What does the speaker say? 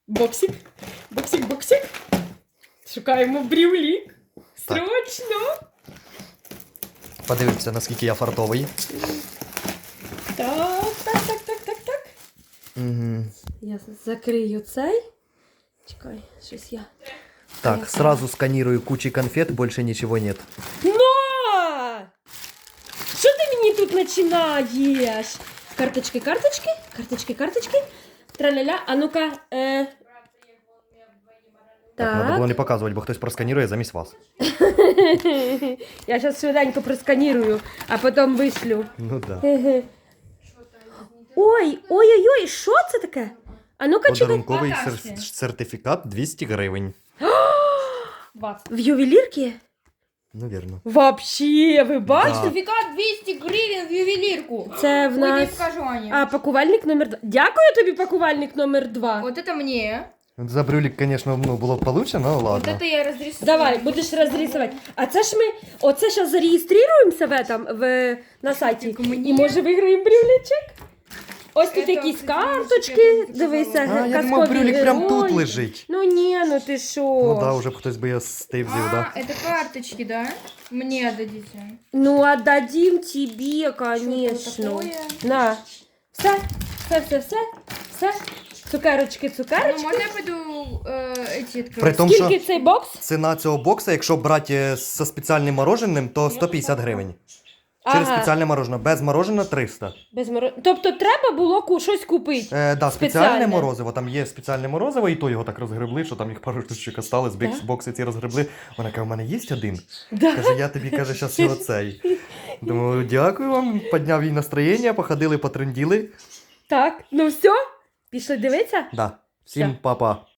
Боксик. Боксик. Шукаємо брюлік. Срочно. Подивимося, наскільки я фартовий. Так. Угу. Я закрию цей. Чекай, щось я. Так, сразу сканирую кучи конфет, больше ничего нет. Но! Що ти мені тут починаєш? Карточки. Траля-ля. А ну-ка. Так, надо було не показувати, бо хтось просканірує замість вас. Я зараз швиденько просканірую, а потім вишлю. Ну да. Ой, що це таке? А ну-ка, чекай. Подарунковий сертифікат 200 гривень. В ювелірки? Ну, вірно. Вообще, ви бачите? Да. Сертификат 200 гривен в ювелирку. Це в Ой, не нас... покажу, Аня. А, пакувальник номер 2. Дякую тобі, пакувальник номер 2. Вот это мне. За брюлік, звісно, було б получше, але Вот ладно. это я разрисую. Давай, будеш розрисувати. А це ж ми, оце зараз зареєструємося на сайті Тільки мені. і може виграємо брюлечок. Ось тут Це якісь офігенно, карточки, секретно дивися, заказала. А, я казкові думав, брюлік прям тут герої. лежить. Ну ні, ну ти що? Ну да, уже б хтось би я стив взяв, А, да. это карточки, да? Мне отдадите. Ну, отдадим тебе, Что конечно. такое? На. Все. Цукерочки. Ну, можно я пойду эти открою? При тому, що Скільки цей бокс? ціна цього бокса, якщо брати зі спеціальним мороженим, то 150 гривень. Через Ага. спеціальне мороженое. Без мороженого 300. Тобто треба було щось купити. Да, Спеціальне. спеціальне морозиво. Там є спеціальне морозиво, і то його так розгребли, що там їх пару штучок осталось, Да? бокси ці розгребли. Вона каже, у мене є один. Да. Каже, я тобі, каже, зараз його цей. Думаю, дякую вам, підняв їй настроєння, походили, потренділи. Так, ну все, пішли дивитися? Да. Всім Все. па-па.